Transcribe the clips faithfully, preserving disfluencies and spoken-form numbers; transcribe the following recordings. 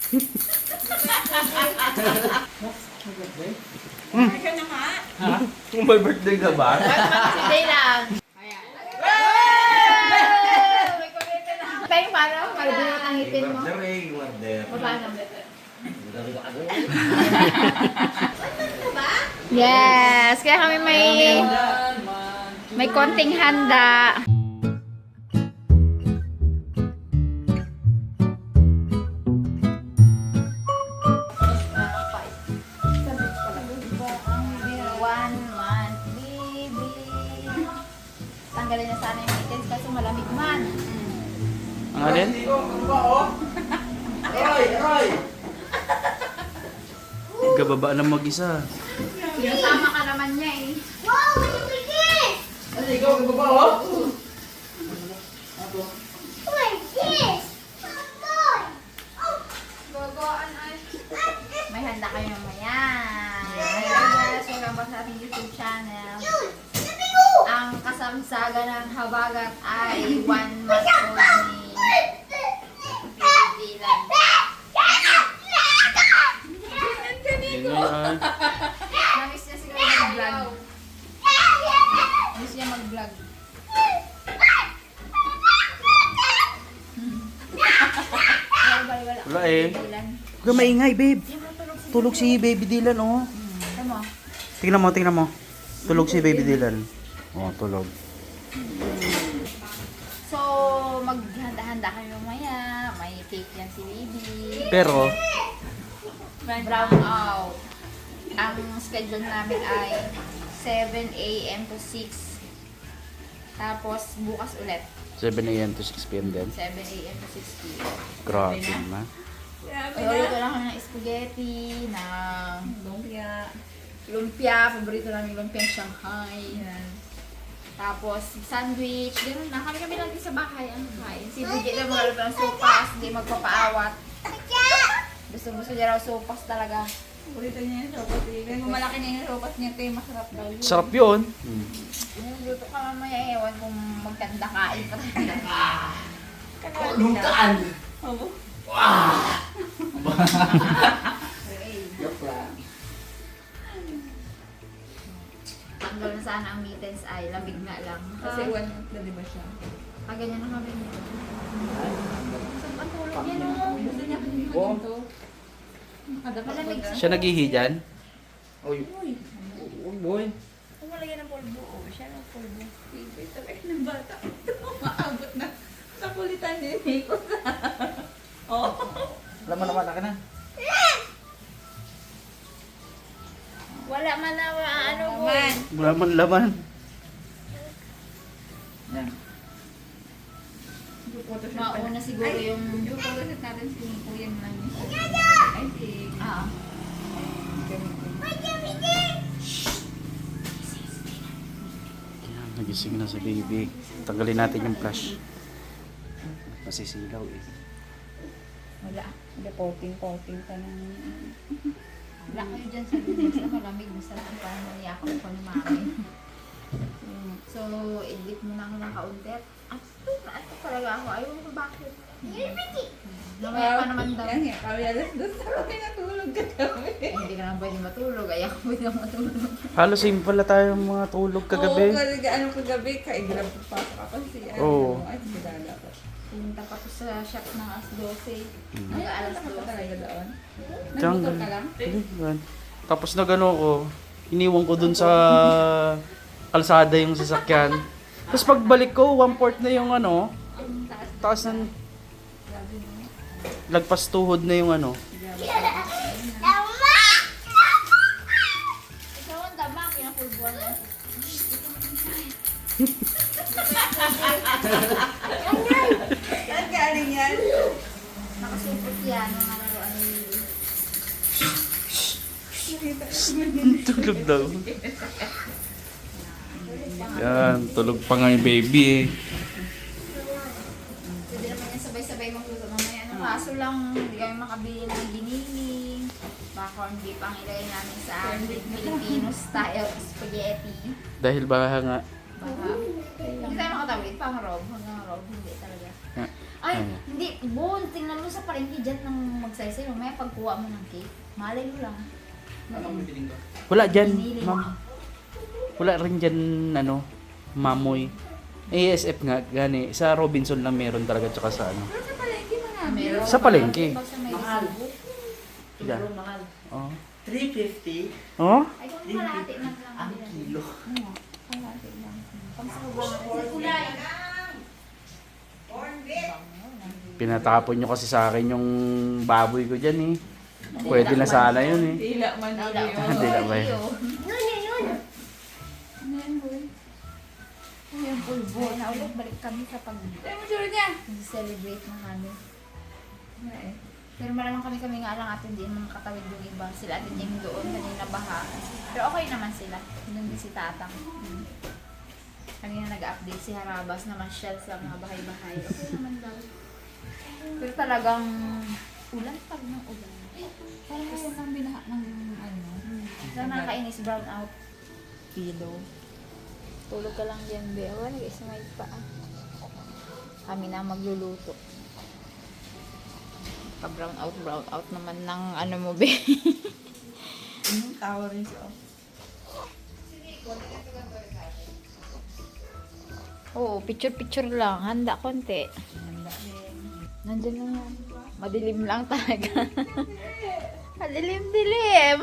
Hmm. Ikaw na nga. Ha? Kung may birthday ka ba? Birthday lang. Tayo paano? Malabinot ang ngipin mo. Paano? Yes! Kaya kami may may konting handa. One month baby. Tanggalin na sana yung mittens kasi malamig man. Ang alin? Aroy! Aroy! Gababa lang mag-isa. Kasama ka naman niya eh. Wow, malipigis! Ano, ikaw ang baba, oh? Oh my gosh! Toy! Oh! Gogoan ay. May handa kayo mamaya. Guys, welcome back sa ating YouTube channel. Yun! Sabi ko! Ang kasamsaga ng habagat ay one month old ni Dylan. Yun na yan. Namiss niya siguro mag-vlog. Namiss niya mag-vlog. Wala, wala, wala. Wala eh. Dylan. Huwag ka maingay, babe. Yung matulog si Tulog si Baby Dylan, oh. Tama. Tingnan mo, tingnan mo. Tulog si Baby Dylan. Oh, tulog. So, maghanda-handa kayo mamaya. May cake yan si baby. Pero, Brown out. Ang schedule namin ay seven A M to six. Tapos, bukas ulit. seven A M to six P M din. seven A M to six P M. Grabe na. Paborito lang kami ng spaghetti, ng lumpia. Lumpia, paborito namin lumpia Shanghai. Yan. Tapos, sandwich. Ganun na. Kami kami lang din sa bahay ang kain. Si Bridget na maglalap ng sopas, hindi magpapaawat. Gusto-gusto niya raw sopas talaga. Paborito niya yung sopas eh. Kung malaki na yung sopas niya, tayo masarap daw yun. Sarap yun. Hmm. Luto ka mamaya, ewan kung magkanda kain ka talaga. Lungkaan! Oo. Joke lang. Tanggal na sana ang mittens ay lamig na lang. Kasi one month na diba siya? Ah, ganyan na kami nito. Ang tulog yan o. Gusto niya kasi yung Oo. ito. Nakadapat Malamig ba? Siya naghihi dyan? Uy, Uy, uy, boy. kung malagyan ng polvo, oh, siya ng polvo. Favorite talaga ng bata. Maabot na sa kulitan din. Oh. Alam mo naman, akin na. Wala man na ano po. Man. Wala man laman. Yan. Mauna siguro yung... Yung photoshop natin si Kuya lang. Ay, si... Ah. Yan, nagising na si baby. Tanggalin natin yung flash. Masisilaw eh. Wala. Wala, coating-coating ka na. Wala kayo dyan sa lunes na malamig. Masarap ang parang naniyakap ko ni mami. So, edit mo na ako ng kaunti. At ito, ito talaga ako. Ayaw ko bakit. Namaya pa naman daw. Yan nga, kami alas dos na kami natulog ka kami. Ay, hindi ka naman pwede matulog. Ayaw ko pwede matulog. Halos same pala tayong mga tulog kagabi. Oo, kasi ano kagabi, kaigrab pa pa ako si ano. Oo. Ay, si Dada pa. Pumunta pa ko sa shop ng alas dose. Hmm. Hanggang alas Alas ka talaga dose. doon. Diyan, Nagmotor ka lang? Hindi, yan. Tapos na gano'n ko, iniwan ko dun sa kalsada yung sasakyan. Tapos pagbalik ko, one-fourth na yung ano, Ang taas. taas ng Grabe mo. lagpas tuhod na yung ano. Ikaw ang dama, pinapulbuan mo. Saan galing yan? Nakasupot yan. Ang nalaroan ni Tulog daw. Yan, tulog pa nga yung baby eh. Pwede naman yan sabay-sabay magluto mamaya. Ano, kaso lang, hindi kami makabili ng giniling. Baka hindi pang ilagay namin sa amin Filipino style spaghetti. Dahil baka nga, Baka, hindi tayo makatawid pang rob. Hanggang rob, hindi talaga. Yeah. Ay, Ano? hindi. Bon, tingnan mo sa palengke dyan nang magsaysay. May pagkuha mo ng cake. Malay mo lang. Anong bibiling ko? Wala dyan, Pinili mo. ma'am. Wala rin dyan, ano, mamoy. A S F nga, gani. Sa Robinson lang meron talaga, tsaka sa ano. Pero sa palengke marami. Meron. Sa palengke. Pag sa may Mahal. resibo. Yan. Sobrang mahal. Oh. three fifty Oh? Ay, kung malati lang lang. ang kilo. Ano? Malati lang. Pang sa sobrang kulay. Pinatapon nyo kasi sa akin yung baboy ko dyan eh. Pwede na sana yun eh. Dila man na yun. Dila ba yun? Yun, yun, yun. Ano yan, boy? Ano yan, pulbo? Ay, na ulit balik kami sa pag Tayo mo sure niya. celebrate na kami. Ano eh? Pero malamang kami kami nga lang atin din mga katawid yung iba. Sila atin yung doon kanina baha. Pero okay naman sila. Doon din si Tatang. Hmm. Kanina nag-update si Harabas na masyal sa mga bahay-bahay. Okay naman daw. Pero talagang ulan pag ng ulan. Parang ayaw nang binaha ng ano. Sana nakakainis brown out. Pillow. Tulog ka lang dyan, be. Wala, nag-ismay pa. Kami na magluluto. Pa-brown out, brown out naman ng ano mo, be. Yung tower rin siya. Oo, picture-picture lang. Handa konti. Nandiyan na yan. Madilim lang talaga. Madilim-dilim.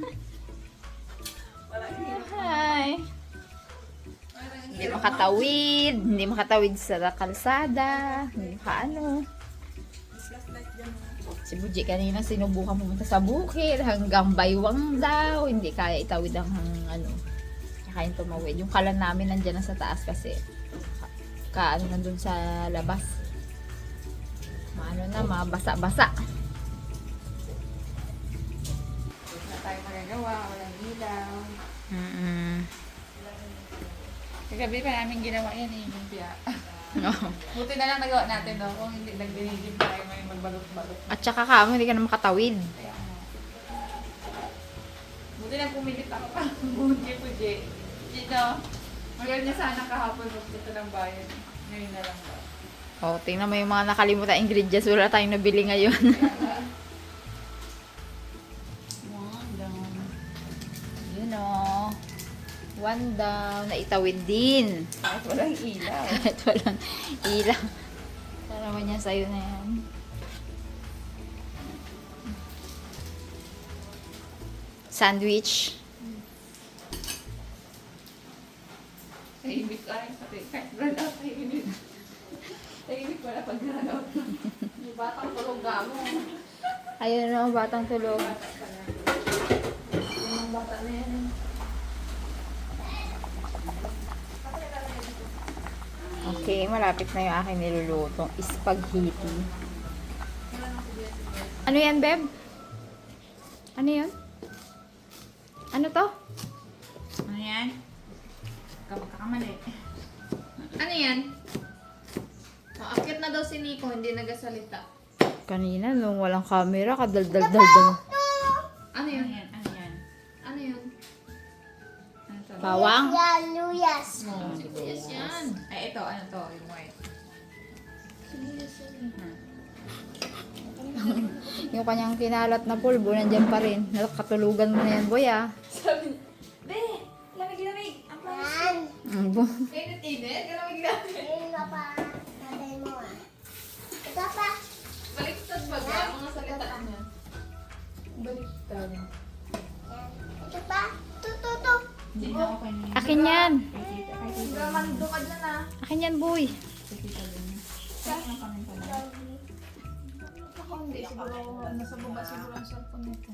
Hi. Hindi makatawid. Hindi makatawid sa kalsada. Hindi makaano. Si Buji kanina sinubukan pumunta sa bukid hanggang baywang daw. Hindi kaya itawid ang ano. Kaya tumawid. Yung kalan namin nandiyan na sa taas kasi ka, ka ano nandun sa labas. Maano na, mabasa-basa. Wala tayo magagawa. Walang ilaw. Mm-mm. Kagabi pa namin ginawa yan eh. Yung piya. No. Buti na lang nagawa natin no. Kung hindi nagdinigim tayo may magbalot-balot. At saka ka, hindi ka na makatawid. Kaya ano. Buti na pumilit ako pa. Buti po, Jay. Dito. Magaling niya sana kahapon magpunta ng bayan. Ngayon na lang ba. Oh, tingnan mo yung mga nakalimutan ingredients. Wala tayong nabili ngayon. Wow, down. Yun o. One down. Naitawid din. Kahit walang ilaw. Kahit walang ilaw. Tarawan niya sa'yo na yan. Sandwich. Tahimik ay pati. Kahit run out, tahimik. Tahimik wala pag run out. Yung batang tulog mo. Ayun o, batang tulog. Yung mga bata na yan. Okay, malapit na yung aking nilulutong spaghetti. Ano yan, Beb? Ano yan? Ano to? Ano yan? Kakamali. Ano yan? Maakit na daw si Nico, hindi nagasalita. Kanina, nung walang camera, kadaldal-daldal. Ano yun? Ano yan? Ano yan? Ano yun? Ano to? Bawang? Yan, Luyas. Oh, sibuyas yan. Ay, ito. Ano to? Yung white. Yung kanyang kinalat na pulbo, nandyan pa rin. Nakatulugan mo na yan, boy, ah. Sabi, Be! Lamig-lamig! Ang panis. Yan. Mm, bo- Init-init? Lamig-lamig. Ayun ka pa. Tatay mo ah. Ito pa. Baliktad ba ga? Mga salita niya. Baliktad. Yan. Ito pa. Ito, ito, ito. Hindi na ako kanina. Akin yan. Hindi naman dukad na na. Akin yan, boy. Ako hindi. Siguro, nasa baba siguro ang cellphone nito.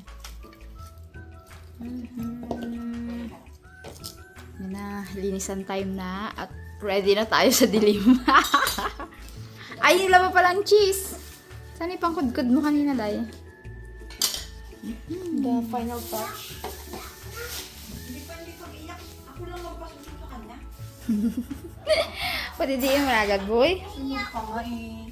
Mhm. Yan na, linisan time na at ready na tayo sa dilim. Ay, yung laba palang cheese. Saan yung pangkudkod mo kanina, Day? The final touch. Hindi pa, hindi pa iyak. Ako lang magpasuso sa kanya. Pwede di yung agad, boy. Kakain.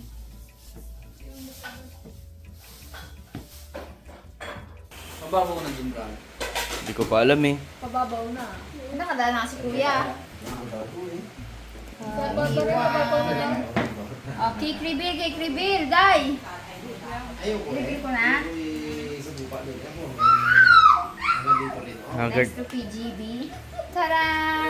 Mababaw na din ka. Hindi ko pa alam eh. Pababaw na. Nakadala na si Kuya. Mababaw eh. Uh, Oh, cake reveal, cake reveal, day. Reveal ko na. Haggard. Next to P G B. Tara!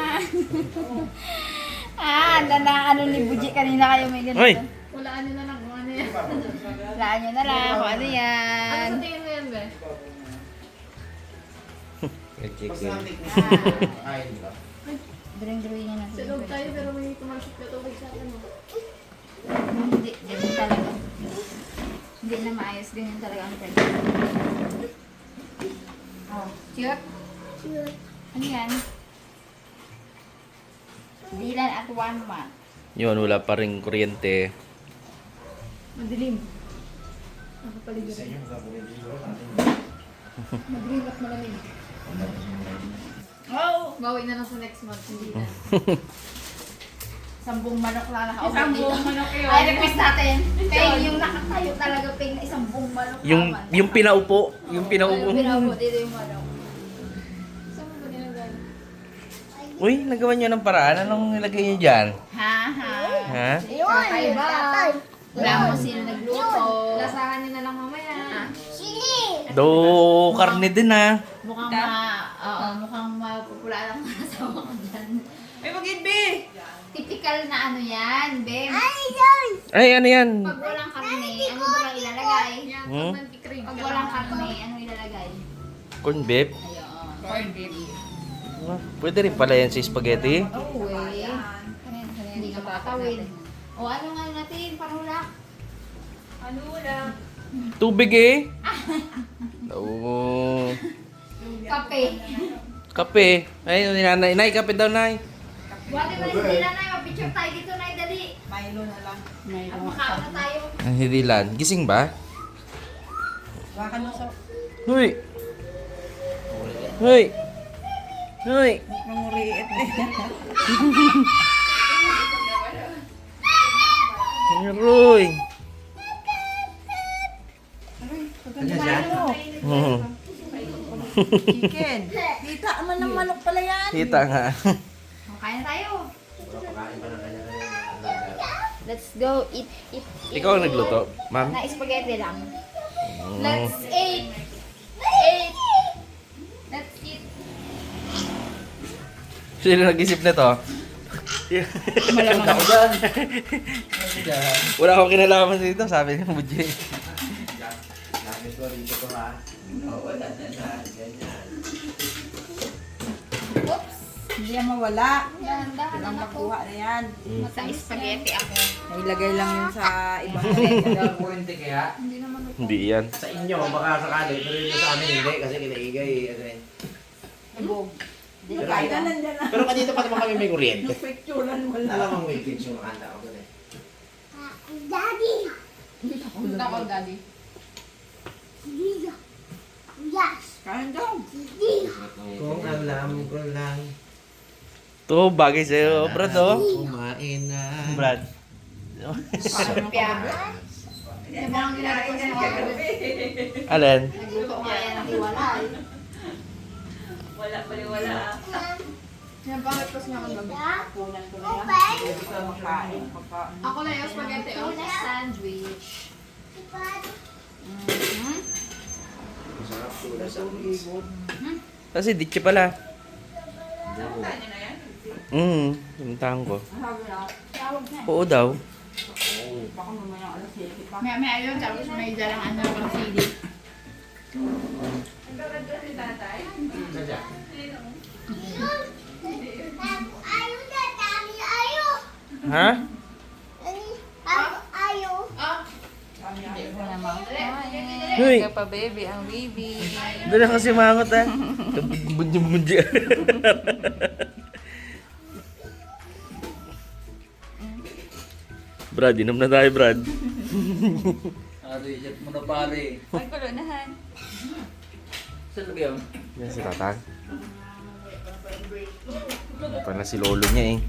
ah, anda na ano ni Buji kanina kayo may ganito. Hoy! Walaan nyo na lang kung ano yan. Laan nyo na lang kung ano yan. Ano sa tingin mo yan, be? Drawing-drawing nga natin. Sa loob tayo pero may tumasok na tubig sa akin. oh. Hindi, ganyan talaga. Hindi na maayos, ganyan talaga ang friend. Oh, cute? Cute. Ano yan? Dilan at one month. Yun, wala pa rin kuryente. Madilim. Nakapaligid. Madilim at malamig. Oh! Bawi na lang sa next month. Hindi na. Sambong manok lang nakaupo Sambong dito. manok yun. Ay, request natin. Peng, yung nakatayo talaga, Peng, na isang buong manok. Yung, naman. yung pinaupo. Yung pinaupo. Yung pinaupo, dito yung manok. Saan mo ba ginagawa? Uy, nagawa niyo ng paraan. Anong nilagay niyo dyan? Ha, ha. Ha? Kakaiba. Wala mo sino nagluto. Lasahan nyo na lang mamaya. Chili. Do, karne din ah. Mukhang ma, oo, mukhang mapupula lang ang asawa ko dyan. Ay, mag-inbe! Typical na ano yan, Bem. Ay, yun. Ay, ano yan? Pag walang karne, ano ba lang ilalagay? Yan, Hmm? pag nag-crave Pag ka walang lang. karne, ano ilalagay? Corn beef? Ayun. Corn beef. Ah, pwede rin pala yan sa spaghetti. Oh, way. Hindi ka makatawid. O ano nga natin, parulak. Ano lang? Tubig eh. Oo. Kape. Kape. Ay, nanay, nay, kape daw, nay. Buwate mo rin sila na, mapicture tayo dito na, dali. Milo na lang. At makaon na tayo. Ang hidilan. Gising ba? Baka na sa... Hoy! Hoy! Hoy! Manguriit eh. Roy! Mhm. Chicken. Kita naman ng manok pala yan. Kita nga. O, kain na tayo. Let's go, eat, eat, eat. Ikaw ang nagluto, ma'am? Na spaghetti lang. Let's eat. Eat. Let's eat. Sino nag-isip nito? Malamang ako dyan. Wala akong kinalaman dito, sabi ni Muji. Gamit ko rito ko ha. Oo, wala na na. Ganyan. Oops. Hindi yan mawala. Dahan-dahan Ang lang ako. makuha na yan. Sa spaghetti ako. Nailagay lang yun sa ibang Kaya kurente kaya? Hindi naman ako. Hindi yan. Sa inyo, baka sakali. Pero yun sa amin hindi. Kasi kinaigay. Ano yun. ibog. Pero, Kaya nandyan na. pero kanito pa naman kami may kuryente. Picturean mo lang. Alam mo may picture yung nakanda ako doon eh. Ah, Daddy. Punta ko, daddy. Dito. Yes. Kain daw. Dito. Kung alam ko lang. To, bagay sa'yo, Brad, oh. Kumain na. Brad. Lumpia. Yung mga ginagawa ko sa mga Alin? nagluto ko kaya ng hiwalay. Wala pala, wala. Yan, bakit kasi nga magabi? Punan ko na yan. Open. Pwede ka makain. Pagka- Ako na yung spaghetti. Oh, Tuna sandwich. Open. Mhm. Masarap tula sa Kasi ditche pala. Hmm, pinuntahan ko. Sabi na, Tawag na. Oo daw. baka mamaya alas siyete pa. May may ayun, tapos may dalang ano pang C D. Ayaw na. Dami ayaw. Ha? Ayaw. Ayaw. Ito naman. Hoy, Kaya pa baby, ang baby. doon na kasi mangot ah. Bunji-bunji. Brad, inom na tayo, Brad. Ari, jet mo na pare. Ay, kulunahan. Saan lagyan? Yan si Tatang. Ano pala si lolo niya eh.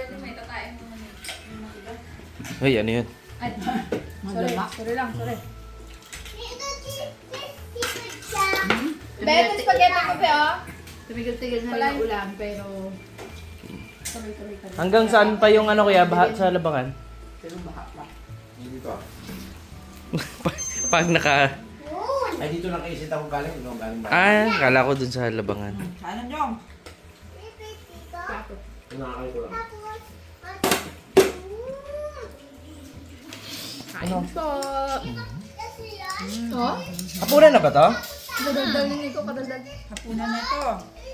Hoy, ano yun? Sorry, sorry lang, sorry. Dito, dito, dito siya. Bebe, ito spaghetti ko pa, oh. Tumigil-tigil na lang yung ulam, pero... Sorry, sorry, sorry. Hanggang saan pa yung ano kaya, baha sa labangan? Pero baka pa. Hindi dito ah. Pag naka... Ay, dito lang kayo isita ko galing. No, galing ba? Ah, kala ko dun sa labangan. Sana Jong. Nakakay ko lang. Kain po. Oh? Hapunan na ba to? Kadaldal ni Nico, kadaldal. Hapunan na to.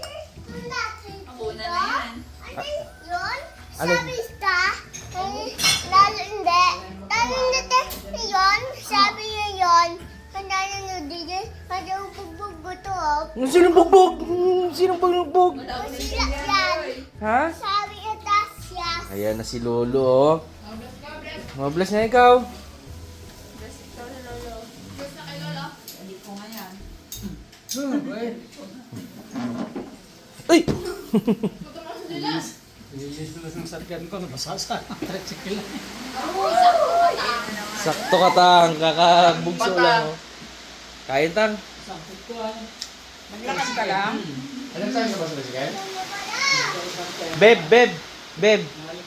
Una na yan. Yun? Ano? Sabi ka? Eh, lalo hindi. Lalo hindi yun. Sabi niya yun. Kanda na nyo din. Kanda bugbog to. Sinong bugbog? Sinong bugbog? Masira yan. Ha? Sabi niya tas siya. Ayan na si Lolo, oh. Mabless na ikaw. Ay! Sakto ka tang, kakabugso lang. Oh. Kain tang. Maglakad ka lang. Alam saan ka ba sa Basigan? Beb, beb, beb.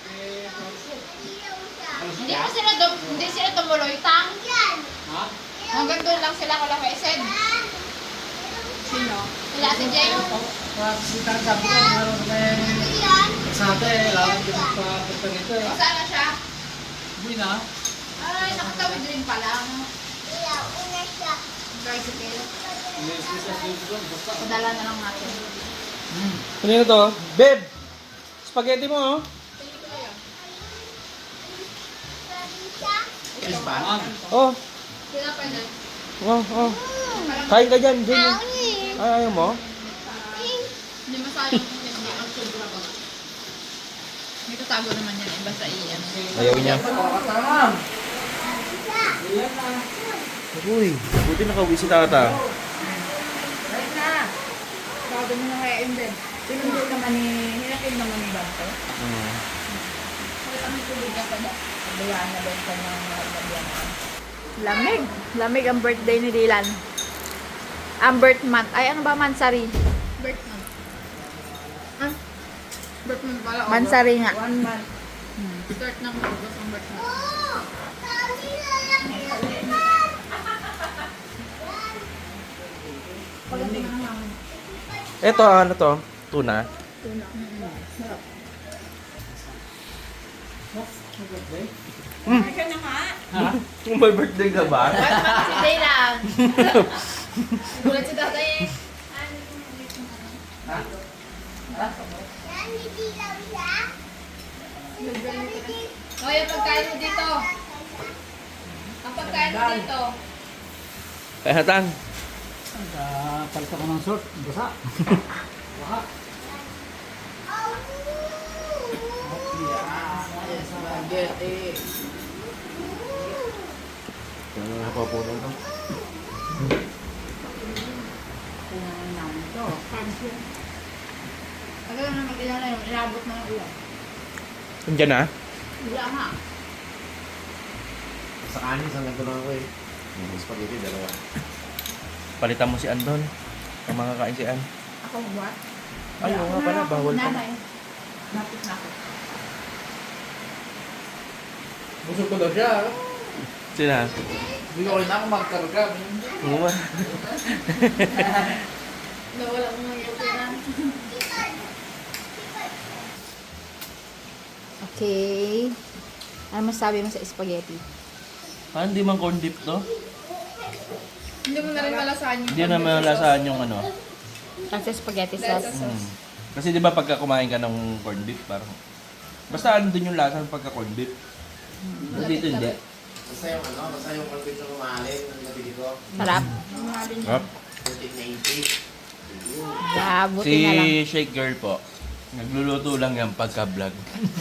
Hindi mo sila dum hindi sila tumuloy tang. Yan. Hanggang doon lang sila wala may send. Sino? Wala si Jay. Sita ang sabi ko, meron sa may... Yan. Sa atin, lawang din pa punta nito eh. Saan na siya? Uwi na. Ay, nakatawid rin pala. Ano? Iyaw. Una siya. Tricycle. Padala na lang natin. Kanino to? Beb! Spaghetti mo, oh. Sabi siya. Yes ba? Oh, Sila pwede. oh, oh. Kain ka dyan, dyan. Ako ni. Ay, ayaw mo? Hindi masayang hindi ang sobra ba. May tatago naman yan eh. Basta i-ano. Ayaw niya. Katamam! Uy, buti nakauwi si tata. Right na. Bago mo na kaya yung bed. Tinundol naman ni... Hinapin naman ni Bante. Hmm. Kami tulog ka pala. Sabayaan na ba yung kanyang naglabihan na. Lamig. Lamig ang birthday ni Dylan. Ang birth month. Ay, ano ba? Mansari. Birth month. Ah? Birth month pala. Mansari nga. One month. Start ng August ang birth month. Oh. Sabi lalaki yan. Eto, ano to? Tuna. Ay ka na nga. Kung may birthday ka ba? Birth month si Dylan. Gulat si tatay eh. Yan, hindi lang siya. O, yung pagkain mo dito. Ang pagkain mo dito. Kaya hatang. Palito ko ng short. Basa. Spaghetti. Ano na papunan to? Kunanin namin to. Agad na mag-ilan na yun. Inabot na ng ulan. Andiyan na? Wala nga. Sa kanin, isang ganito lang ako eh. Yung spaghetti, dalawa. Palitan mo si Andon. Ang makakain si An. Ako what? Ay, oo nga pala, bawal pa. Nanay. Napit na ako. Busog ko daw siya. Sina? Hindi ko rin ako magkarga. Oo nga. Nawala mo ng yukiran. Okay. Ano masabi mo sa spaghetti? Ah, hindi man corn dip to? Hindi mo na rin malasahan yung Hindi na malasahan yung ano. Kasi spaghetti sauce. Hmm. Kasi di ba pagka kumain ka ng corn beef, parang... Basta ano dun yung lasa ng pagka corn beef. Pero dito hindi. Basta yung ano, basta yung content ng umahalin ng nabili ko. Sarap. Yup. fourteen ninety. Yeah, buti Si na lang. Shake Girl po, nagluluto lang yan pagka-vlog.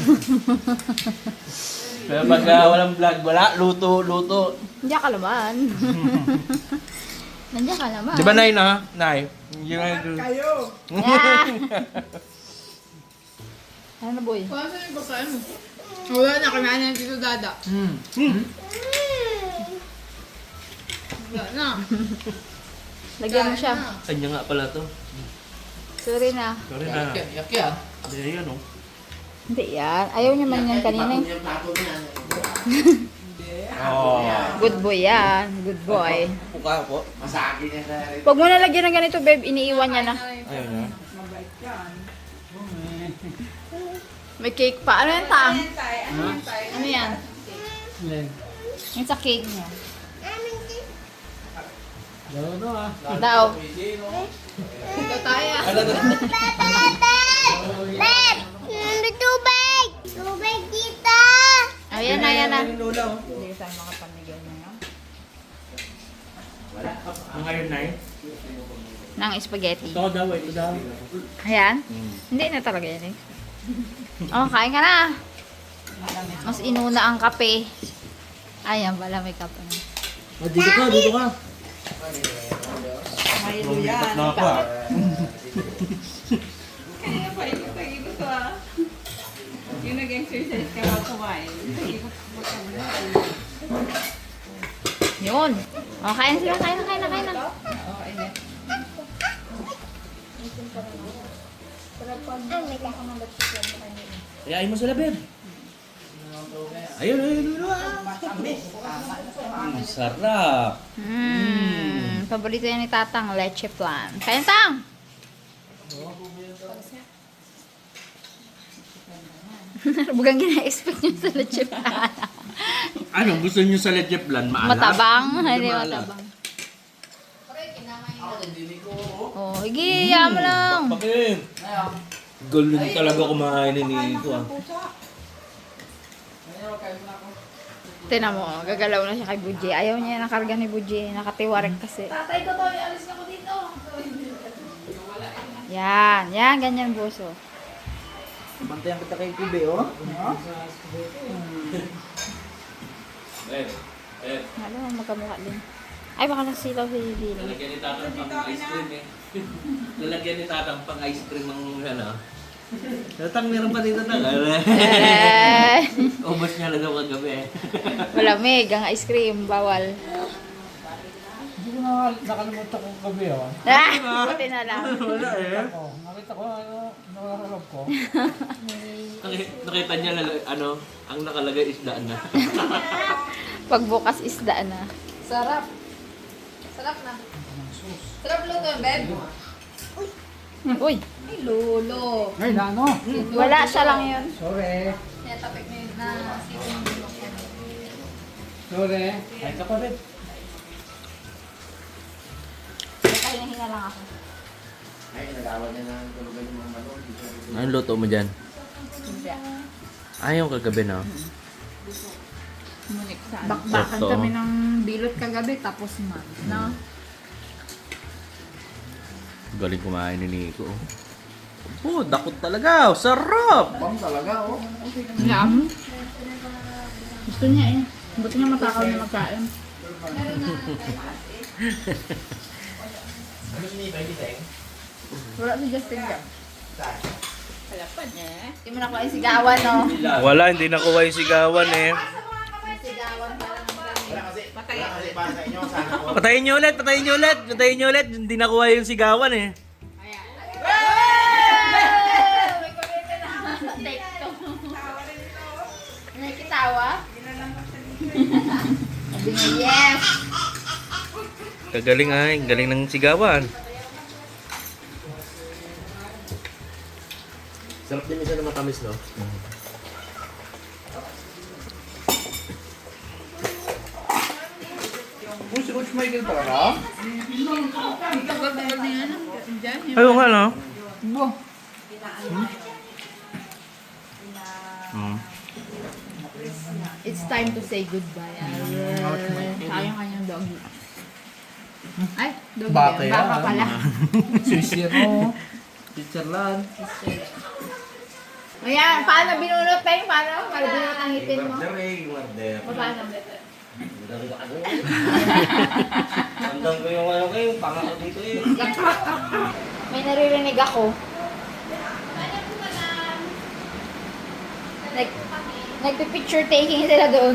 Pero pagka walang vlog, wala, luto, luto. Nandiyan ka naman. Nandiyan ka naman. Di ba, Nay, na? Nay? Yung Kayo. Yeah. Ano na, boy? Paano yung pagkain mo? Wala na, kinain na dito dada. Hmm. Hmm. Wala na. Lagyan mo siya. Kanya nga pala to. Sorry na. Sorry na. Yak yan. Hindi, yan oh. Hindi yan. Ayaw niya man yan kanina. eh. Yung plato niya. Oo. Good boy yan. Good boy. Puka po. Masaki niya na rin. Pag mo nalagyan ng ganito, babe, iniiwan niya na. Ayun na. May cake pa. Ano yan, Tang? Ayan tayo. Ano yan tayo? Ano yan? Yung sa cake niya. Daw. Ito tayo. Babe! May tubig! Tubig dito! Ayan na, ayan na. Yung lula oh. Hindi tayo makapamigay ngayon. Ang iron na eh. Ng spaghetti. Ito daw, ito daw. Ayan? Hindi na talaga yan eh. Oh, kain ka na. Mas inuna ang kape. Ayan pala, may kape na. Oh, dito ka, dito ka. Milo yan. Na ako ah. Kaya pa, ikot-ikot ko ah. Yung nag-exercise ka ba kumain? Ikot mo ka muna. Yun. Oh, kain sila. Kain na, kain na, kain na. Oo, ayan. Ayayin mo sila, babe. Ayun, ayun, ayun. Ang sarap. Hmm. Paborito yan ni Tatang, leche flan. Kain, Tang! Bugang gina-expect nyo sa leche flan. Ano, gusto niyo sa leche flan? Maalat? Matabang. Hindi maalat. matabang. Oh, higi, yaman mo lang. Bakit? Galing talaga kumain ni Nico ah. Tinan mo, oh, gagalaw na siya kay Bujie. Ayaw niya nakarga ni Bujie. Nakatiwarek kasi. Tatay ko to, alis na ko dito. Yan, yan, ganyan buso. Bantayan kita kay Kube, oh. Eh, eh. Alam mo, magkamukha din. Ay, baka nasilaw si Dilo. Lalagyan ni Tatang pang ice cream eh. Lalagyan ni Tatang pang ice cream ang ano. Tatang meron pa dito na. Eh, Ubus niya lang ako kagabi eh. malamig ang ice cream, bawal. Hindi ko na nakalimutan ko gabi, oh. Ah, buti na lang. Wala eh. Oh, nakita ko ano, nakararap ko. Naki- Nakita niya lalo- ano, ang nakalagay is daan na. Pagbukas isda na. Sarap. Sarap na. Sarap luto, babe. Uy, Ay, lolo. Ay, ano? wala siya lang yun. Sorry. Kaya tapik na yun na sipin mo. Sorry. Ay, ka pa rin. Pahinga lang ako. Ay, nag-awal niya na tulugan yung mga manok. Anong luto mo dyan? Hindi. Ayaw kagabi na. Bakbakan Sakto. kami ng bilot kagabi, tapos man. No? Galing kumain ni Nico. Oh, dakot talaga. Sarap! Yum. Gusto niya eh. Buti niya matakaw na magkain. Wala si Justin ka. Halapan niya eh. Hindi mo nakuha yung sigawan, no? Wala, hindi nakuha yung sigawan eh. Sigawan pa lang. Patayin niyo ulit, patayin niyo ulit, patayin niyo ulit. Hindi nakuha yung sigawan eh. May kumita na. Take two. May kitawa? Sabi nga, yes! Kagaling ay, galing ng sigawan. Sarap din isa na matamis, no? Oh, si Coach Michael pala ka? Ayaw nga, no? Hmm. It's time to say goodbye. Sayang kanyang doggy. Ay, doggy. Baka yan. yan. Baka pala. Sisiro. Switzerland. Ayan, paano binunot pa yung paano? Paano binunot ang ngipin mo? Order eh, order. Paano? Tandang ko yung ano kayo, pangako dito eh. May naririnig ako. Nag, nagpi-picture taking sila doon.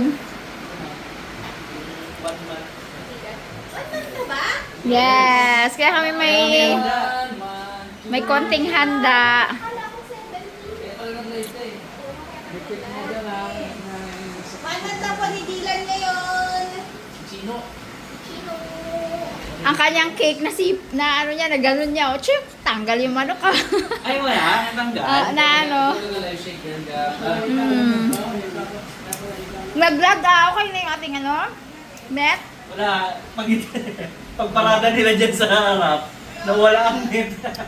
Yes, kaya kami may may konting handa. Manatapon ang kanyang cake na si, na ano niya, na gano'n niya, o chip, tanggal yung manok ah. Ay, wala. Natanggal. Ah, na ano. Mm. Nag-vlog ah, okay na yung ating ano, net. Wala. Pag, pagparada nila dyan sa harap, nawala ang net.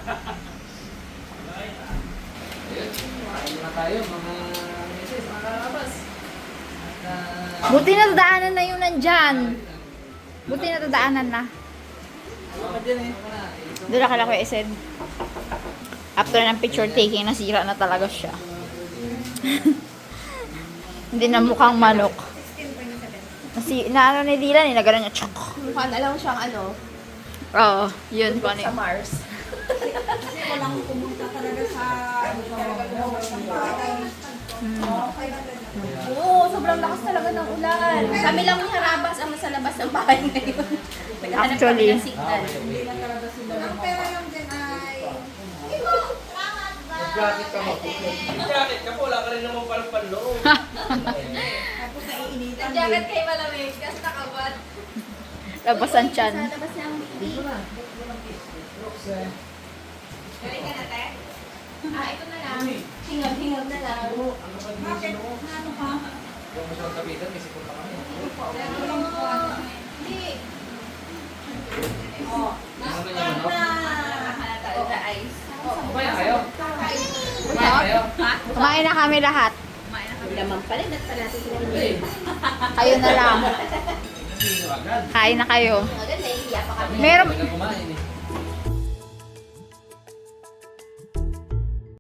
Buti na dadaanan na yun nandyan. Buti na dadaanan na. Doon na kala ko isend. After ng picture taking, nasira na talaga siya. Hindi na mukhang manok. Nasi, na ano ni Dylan, nilagaran niya. Chok. Mukha na lang siyang ano, Oo, yun po sa Mars. Kasi walang pumunta talaga sa ano Oo, sobrang lakas talaga ng ulan. Kami lang yung harabas ang nasa labas ng bahay ngayon. Naghahanap kami Actually. ng signal. Ang pera lang dyan ay... Jacket ka mo. Jacket ka po. Wala ka rin naman parang panloob. Tapos naiinitan din. Jacket kay malamig, kasi nakabat. Labasan tiyan. Sa labas niya ang bibi. Galing ka na, te? Ah, ito na lang. Hingab-hingab na lang. Bakit? Ano ka? Hindi. Oh, na. Oh, the ice. Kumain kayo? Ha? Kumain na kami lahat. Kumain na kami naman pala. Nagpalati sila ng Kayo na lang. Kain na kayo. Maganda, hiya pa kami. Meron, Kumain eh.